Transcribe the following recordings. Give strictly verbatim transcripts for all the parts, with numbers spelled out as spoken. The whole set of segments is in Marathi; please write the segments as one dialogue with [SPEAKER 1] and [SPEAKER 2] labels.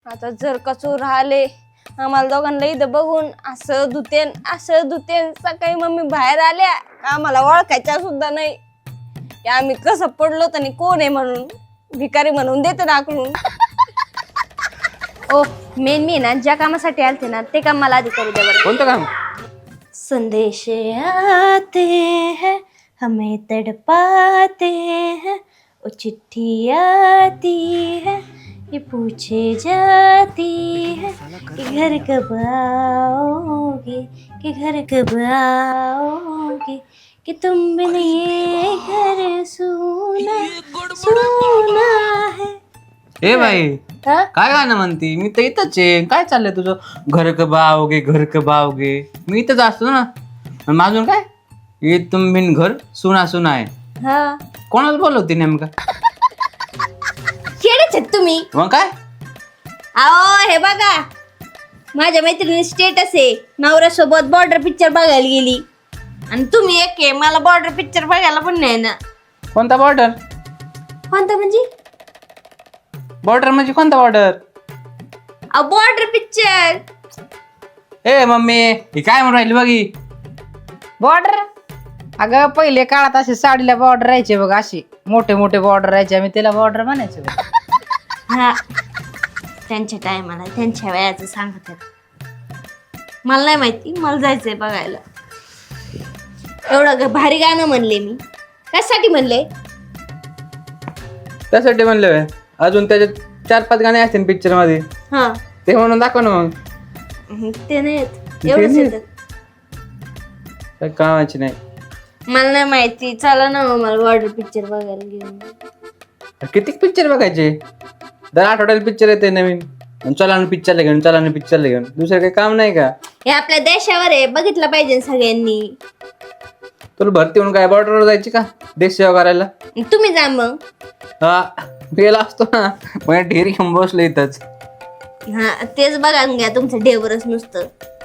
[SPEAKER 1] आता जर का चोर आले आम्हाला दोघांना इथं बघून असं धुतेन असं धुतेन. सकाळी मम्मी बाहेर आल्या आम्हाला ओळखायच्या सुद्धा नाही की आम्ही कसं पडलो आणि कोण आहे म्हणून. भिकारी म्हणून देते दाखवून. ओ मेन मी ना ज्या कामासाठी आलते ना ते काम मला आधी करू द्या बरं.
[SPEAKER 2] कोणतं काम?
[SPEAKER 1] संदेश आते हैं हमें तड़पाते हैं वो चिट्ठी आती है ये पूछे जाती है कि घर कब आओगे कि घर कब आओगे कि तुम बिन ये घर सूना सूना है.
[SPEAKER 2] ए बाई
[SPEAKER 1] हा?
[SPEAKER 2] काय गाणं म्हणती? मी तर इथंच आहे. काय चाललंय तुझं? घर क बावगे घर क बावगे. मी इथंच असतो ना. आणि माझून काय ये तुम बिन घर सुना सुना आहे.
[SPEAKER 1] हा
[SPEAKER 2] कोणाला बोलवती नेमका?
[SPEAKER 1] खेळच आहेत तुम्ही.
[SPEAKER 2] मग काय?
[SPEAKER 1] अहो हे बघा माझ्या मैत्रिणी स्टेटस आहे नवऱ्यासोबत बॉर्डर पिक्चर बघायला गेली आणि तुम्ही एक आहे मला बॉर्डर पिक्चर बघायला पण नाही ना.
[SPEAKER 2] कोणता बॉर्डर?
[SPEAKER 1] कोणता म्हणजे?
[SPEAKER 2] बॉर्डर म्हणजे कोणता बॉर्डर?
[SPEAKER 1] अहो बॉर्डर पिक्चर.
[SPEAKER 2] ए मम्मी ही काय म्हणून राहिली बघी?
[SPEAKER 3] बॉर्डर? अगं पहिले काळात असे साडीला बॉर्डर राहायचे बघ, अशी मोठे मोठे बॉर्डर राहायचे, आम्ही त्याला बॉर्डर म्हणायचो.
[SPEAKER 1] हा त्यांच्या टायमाला त्यांच्या वयाचं सांगत आहेत. मला नाही माहिती, मला जायचंय बघायला. एवढं ग- भारी गाणं म्हणले मी. कशासाठी म्हणले?
[SPEAKER 2] त्यासाठी म्हणलं होय. अजून त्याच्यात चार पाच गाणे असतील पिक्चर मध्ये,
[SPEAKER 1] हा
[SPEAKER 2] ते म्हणून दाखव ना मग.
[SPEAKER 1] ते नाही येत. एवढंच
[SPEAKER 2] नाही?
[SPEAKER 1] येतं.
[SPEAKER 2] काय कामाची नाही.
[SPEAKER 1] मला नाही माहिती. चला ना मग मला बॉर्डर पिक्चर बघायला घेऊन.
[SPEAKER 2] किती पिक्चर बघायचे? दर आठवड्याला पिक्चर येते नवीन. आणि चला ना पिक्चरला घेऊन चला ना पिक्चरला घेऊन. दुसरं काही काम नाही का?
[SPEAKER 1] हे आपल्या देशावर आहे, बघितलं पाहिजे सगळ्यांनी.
[SPEAKER 2] तुला भरती म्हणून काय बॉर्डरवर जायची का देश सेवा करायला?
[SPEAKER 1] तुम्ही जा मग.
[SPEAKER 2] हा गेला असतो ना मग ढेरी घेऊन बसलो इथंच.
[SPEAKER 1] हा तेच बघा घ्या तुमचं डेवरच नुसतं.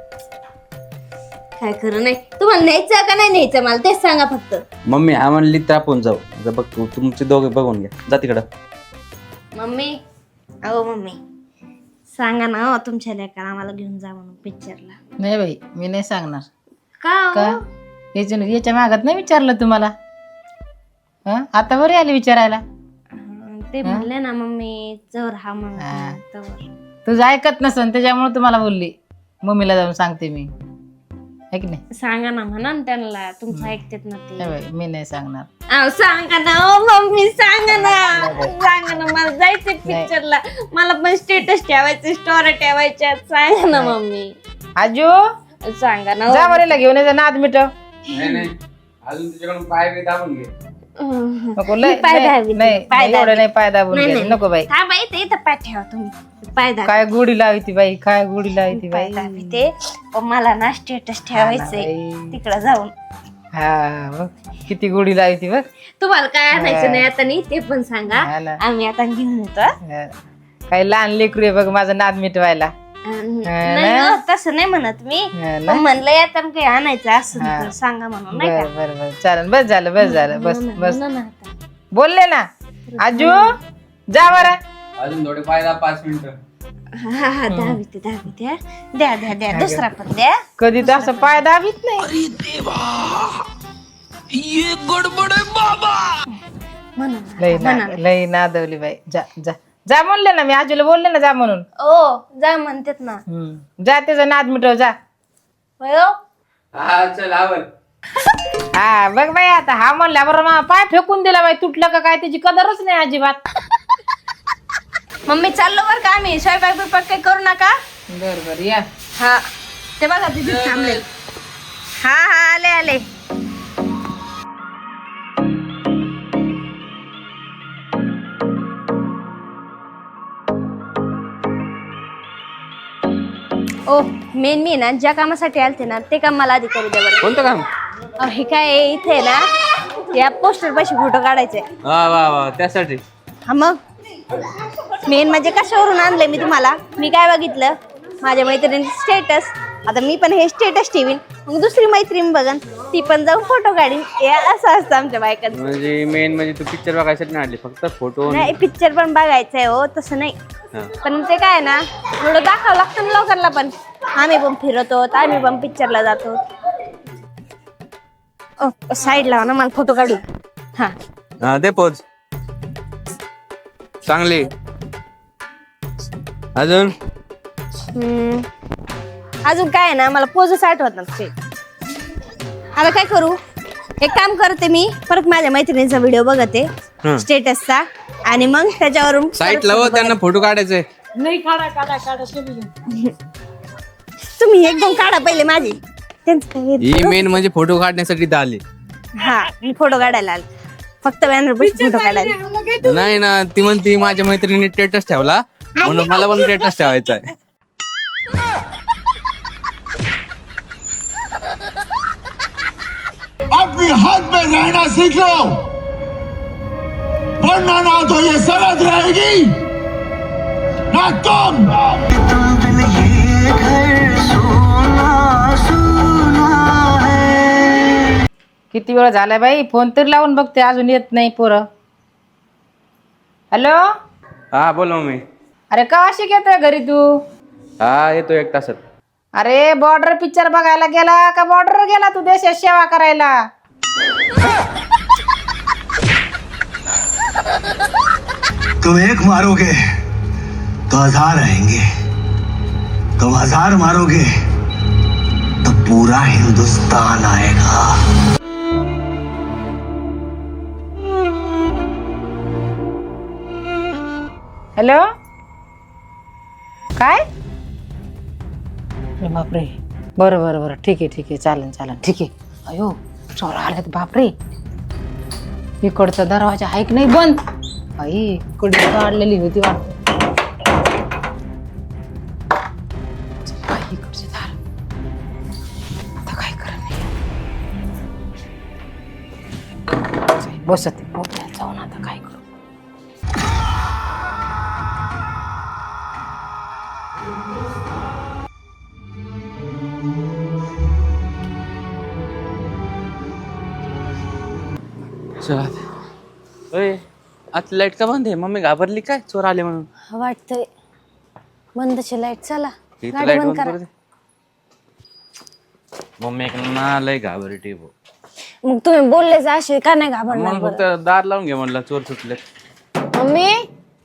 [SPEAKER 1] काय खरं नाही. तुम्हाला न्यायचं का नाही न्यायचं मला तेच सांगा फक्त.
[SPEAKER 2] मम्मी हा म्हणली तर आपण जाऊ. आता बघ तू तुमचे दोघे बघून घ्या. जा तिकडं.
[SPEAKER 1] मम्मी अहो मम्मी सांगा ना हो तुमच्या लेकाला आम्हाला घेऊन जा म्हणून पिक्चरला.
[SPEAKER 3] नाही बाई, मी नाही सांगणार.
[SPEAKER 1] का
[SPEAKER 3] का?
[SPEAKER 1] हो?
[SPEAKER 3] याच्या याच्या मागात नाही विचारलं तुम्हाला? हा आता बरी आली विचारायला.
[SPEAKER 1] अं, ते म्हणले ना मम्मी चवर हा
[SPEAKER 3] हा.
[SPEAKER 1] म्हणून तवर.
[SPEAKER 3] तुझं ऐकत नसन त्याच्यामुळे तुम्हाला बोलली. मम्मीला जाऊन सांगते मी, है की नाही?
[SPEAKER 1] सांगा ना म्हणा ना त्यांना तुमचं ऐकतात ना ते.
[SPEAKER 3] नाही बाई, मी नाही सांगणार.
[SPEAKER 1] अहो सांगा ना हो मम्मी सांगा ना. सांगा ना मला जायचंय पिक्चरला. मला पण स्टेटस ठेवायचे स्टोरी ठेवायच्या. सांगा ना मम्मी.
[SPEAKER 3] आजू
[SPEAKER 1] सांगा ना हो.
[SPEAKER 3] जा बरेला घेऊन ये नाद मिटव.
[SPEAKER 2] अजून तुझ्याकडून पाय बी दाबून घे.
[SPEAKER 1] अं,
[SPEAKER 3] नको लय
[SPEAKER 1] पाय
[SPEAKER 3] नाही
[SPEAKER 1] दाबी,
[SPEAKER 3] नाही,
[SPEAKER 1] पाय
[SPEAKER 3] एवढं
[SPEAKER 1] दाबी.
[SPEAKER 3] नाही पाय दाबून
[SPEAKER 1] नाही,
[SPEAKER 3] घे.
[SPEAKER 1] नाही.
[SPEAKER 3] नको बाई.
[SPEAKER 1] हा बाई ते इथं पाय ठेवा तुम्ही. पाय दाबी.
[SPEAKER 3] काय गुढी लावती बाई, काय गुढी लावती
[SPEAKER 1] पाय
[SPEAKER 3] बाई.
[SPEAKER 1] दाबी ते. पण मला ना स्टेटस ठेवायचंय
[SPEAKER 3] बाई.
[SPEAKER 1] तिकडं जाऊन.
[SPEAKER 3] हा बघ किती गुढी लावती बघ.
[SPEAKER 1] तुम्हाला काय आणायचं नाही आता नाही ते पण सांगा.
[SPEAKER 3] हा ना.
[SPEAKER 1] आम्ही आता घेऊन येतो.
[SPEAKER 3] हा. काय लहान लेकरू आहे बघ माझं नाद मिटवायला.
[SPEAKER 1] अं,
[SPEAKER 3] हा
[SPEAKER 1] नाही
[SPEAKER 3] ना?
[SPEAKER 1] हो, तसं नाही म्हणत मी.
[SPEAKER 3] हा ना?
[SPEAKER 1] पण म्हणलं आता काही आणायचं असं
[SPEAKER 3] हा.
[SPEAKER 1] तर सांगा म्हणून नाही
[SPEAKER 3] बर
[SPEAKER 1] का.
[SPEAKER 3] बर बर चालेल. बस झालं बस झालं बस
[SPEAKER 1] म्हणा ना,
[SPEAKER 3] बस
[SPEAKER 1] म्हणा ना आता.
[SPEAKER 3] बोलले ना. आजू जा बरं.
[SPEAKER 2] अजून थोडे पाय दाब पाच मिनिटं.
[SPEAKER 1] हा हा दहावी ते दहावी द्या द्या द्या द्या दुसरा पण द्या.
[SPEAKER 3] कधी तर असं पाय दाबीत नाही.
[SPEAKER 1] म्हणा ना,
[SPEAKER 3] लई
[SPEAKER 1] म्हणा
[SPEAKER 3] ना
[SPEAKER 1] ना.
[SPEAKER 3] लई नादवली बाई. जा जा जा म्हणले ना मी आजूला बोलले ना जा म्हणून.
[SPEAKER 1] ओ जा म्हणतात ना.
[SPEAKER 3] हम्म. जा त्याचा नाद मिटव जा.
[SPEAKER 1] होय हो?
[SPEAKER 2] हा चल आवर.
[SPEAKER 3] हा बघ बाई आता हा म्हणल्या बरं मग पाय फेकून दिला बाई. तुटलं का काय त्याची कदरच नाही अजिबात.
[SPEAKER 1] मम्मी चाललो बरं का आम्ही. स्वयंपाक बिपाक काही करू नका.
[SPEAKER 3] बर बर या.
[SPEAKER 1] हा ते बघा तिथे थांबले. हा हा आले आले. ओ मेन मी ना ज्या कामासाठी आलते ना ते काम मला आधी करू द्या बरं.
[SPEAKER 2] कोणतं काम?
[SPEAKER 1] अहो, हे काय आहे, इथे ना या पोस्टर पाशी फोटो काढायचे.
[SPEAKER 2] वा वा वा त्यासाठी.
[SPEAKER 1] हा मग मेन म्हणजे कशावरून आणले मी तुम्हाला. मी काय बघितलं माझ्या मैत्रिणीचे स्टेटस. आता मी पण हे स्टेटस ठेवीन मग दुसरी मैत्रीण बघन ती पण जाऊन फोटो काढीन हे असं असतं आमच्या बायकांचं.
[SPEAKER 2] म्हणजे मेन म्हणजे तू पिक्चर बघायसाठी नाही आली फक्त फोटो.
[SPEAKER 1] नाही पिक्चर पण बघायचंय हो तसं नाही. पण ते काय ना थोडं दाखवावं लागतं ना लोकांना पण. आम्ही पण फिरतो आम्ही पण पिक्चरला जातो. साईड लावा ना मला फोटो काढू. हा
[SPEAKER 2] हा दे पोज चांगली. अजून
[SPEAKER 1] हम्म. अजून काय आहे ना मला पोजच आठवत नसते. आता काय करू एक काम करते मी परत माझ्या मैत्रिणीचा व्हिडिओ बघते
[SPEAKER 2] हं.
[SPEAKER 1] स्टेटसचा आणि मग त्याच्यावरून
[SPEAKER 2] साईट लाव त्यांना फोटो काढायचे.
[SPEAKER 1] तुम्ही एकदम काढा पहिले माझी त्यांचं काय
[SPEAKER 2] ही मेन म्हणजे फोटो काढण्यासाठी इथं आली.
[SPEAKER 1] हा मी फोटो काढायला आले फक्त बॅनर पैसे फोटो काढायला.
[SPEAKER 2] नाही ना ती म्हणती माझ्या मैत्रिणीने स्टेटस ठेवला म्हणून मला पण स्टेटस ठेवायचा आहे.
[SPEAKER 4] अपनी हद में रहना सीख लो वरना ना तो ये सरहद रहेगी ना तुम।
[SPEAKER 3] किती वेळ झालाय बाई फोन तरी लावून बघते अजून येत नाही पोरं. हॅलो
[SPEAKER 2] हा बोल मम्मी.
[SPEAKER 3] अरे कवाशी येतोय घरी तू?
[SPEAKER 2] हा येतो एक तासात.
[SPEAKER 3] अरे बॉर्डर पिक्चर बघायला गेला का बॉर्डर गेला तू देशात सेवा करायला?
[SPEAKER 4] तुम एक मारोगे तो हजार आएंगे, तुम हजार मारोगे तो पूरा हिंदुस्तान आएगा।
[SPEAKER 3] हॅलो काय? अरे बापरे बरं बरं बरं ठीक आहे ठीक आहे चालेल चालेल ठीक आहे. अयो चोर आलेत बापरे. इकडचा दरवाजा आहे की नाही बंद? आई इकडे काढलेली होती वाटत. इकडचे दार आता काय करणार? बसत मोठ्यात जाऊन आता काय करू?
[SPEAKER 2] चला ओय आज लाईट का बंद आहे? मम्मी घाबरली काय चोर आले म्हणून?
[SPEAKER 1] वाटतंय बंदची लाईट चला
[SPEAKER 2] इथं
[SPEAKER 1] गाडी
[SPEAKER 2] लाईट
[SPEAKER 1] बंद
[SPEAKER 2] बंद
[SPEAKER 1] करा.
[SPEAKER 2] करू दे. मम्मी ना लय घाबरटी भो.
[SPEAKER 1] मग तुम्ही बोललेच असे का नाही घाबरणार
[SPEAKER 2] म्हणून
[SPEAKER 1] बरं?
[SPEAKER 2] फक्त दार लावून घे म्हणलं चोर सुटले.
[SPEAKER 1] मम्मी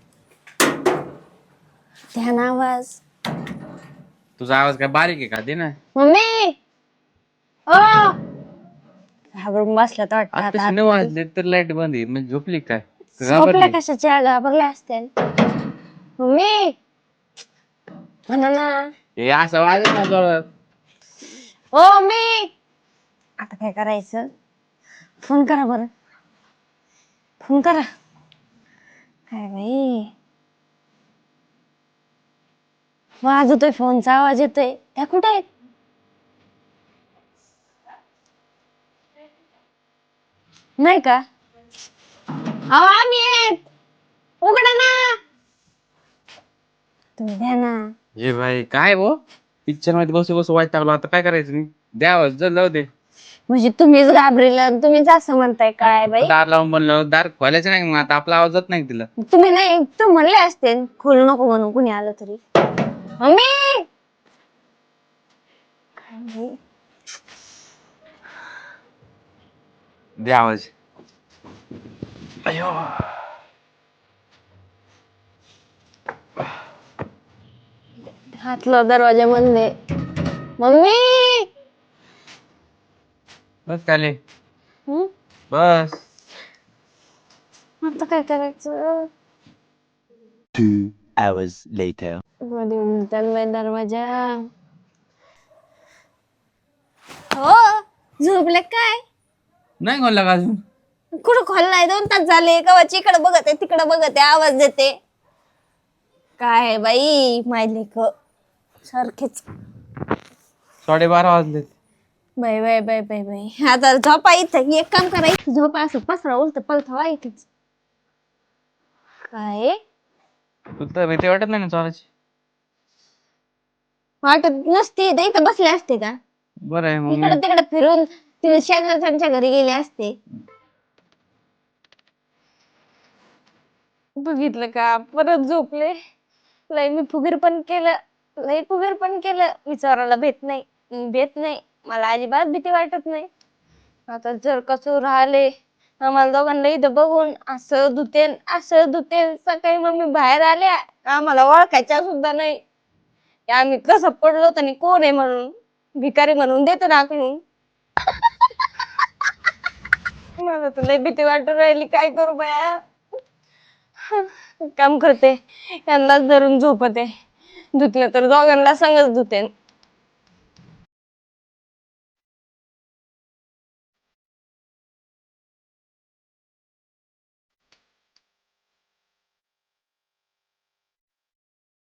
[SPEAKER 1] ध्यान आवाज.
[SPEAKER 2] तुझा आवाज काय बारीक आहे का? दे ना.
[SPEAKER 1] मम्मी ओ घाबरून बसल्यात वाटतं
[SPEAKER 2] आता
[SPEAKER 1] आता.
[SPEAKER 2] नऊ वाजले तर लाईट बंद आहे म्हणजे झोपली काय?
[SPEAKER 1] झोपल्या कशाच्या घाबरल्या असतील. मम्मी म्हणा ना.
[SPEAKER 2] हे असं वाजत ना जोरात.
[SPEAKER 1] ओ मम्मी आता काय करायचं? फोन करा बरं फोन करा. काय बाई वाजतोय फोनचा आवाज येतोय. त्या कुठे आहेत? नाही का? अहो आम्ही आहेत उघडा ना. तुम्ही द्या ना.
[SPEAKER 2] ये भाई काय भो पिक्चर मध्ये बसू बसू वाईट टाकलो. आता काय करायचं? मी द्यावं जर जाऊ दे.
[SPEAKER 1] म्हणजे तुम्हीच घाबरेला तुम्हीच असं म्हणताय काय बाई?
[SPEAKER 2] दार लावून बनलं दार खोलायचं नाही मग आता आपला आवाज जात नाही तिला.
[SPEAKER 1] तुम्ही नाही तू म्हणले असते खोलू नको म्हणून कुणी आलं तरी. मम्मी काय बाई?
[SPEAKER 2] दे आवाज. अयो
[SPEAKER 1] हातला दरवाजा बंद आहे. मम्मी
[SPEAKER 2] बस खाली
[SPEAKER 1] हम्म?
[SPEAKER 2] बस.
[SPEAKER 1] आता काय करायचं?
[SPEAKER 4] Two hours later.
[SPEAKER 1] मध्ये उलटान बाई दरवाजा. हो झोपले काय?
[SPEAKER 2] नाही खोलला का अजून?
[SPEAKER 1] कुठं खोललाय? दोन तास झाले कवाची इकडे बघत आहे तिकडे बघत आहे आवाज देते. काय बाई मायले क सारखेच.
[SPEAKER 2] साडेबारा वाजले.
[SPEAKER 1] Bye bye bye bye bye आता झोपा इथं. एक काम करा इथं झोपा असं पसरा उलट पलथावा इथेच. काय
[SPEAKER 2] तुला भीती वाटत नाही ना चोराची?
[SPEAKER 1] वाटत नसते इथं बसले असते का?
[SPEAKER 2] बरं आहे मग
[SPEAKER 1] इकडे तिकडे फिरून तिने शेजारच्या घरी गेले असते. बघितलं का परत झोपले. लय मी फुगीर पण केलं, लय फुगीर पण केलं. विचारायला भेट नाही भेट नाही मला अजिबात भीती वाटत नाही. आता जर कसं राहिले आम्हाला दोघांना इथं बघून असं धुतेन असं धुतेन. सकाळी मम्मी बाहेर आल्या आम्हाला ओळखायच्या सुद्धा नाही. आम्ही कसं पडलो आणि कोण आहे म्हणून भिकारी म्हणून देतो दाखवून. मला तर लय भीती वाटून राहिली. काय करू बाया. काम करते यांनाच धरून झोपते. धुतलं तर दोघांना संगच धुते.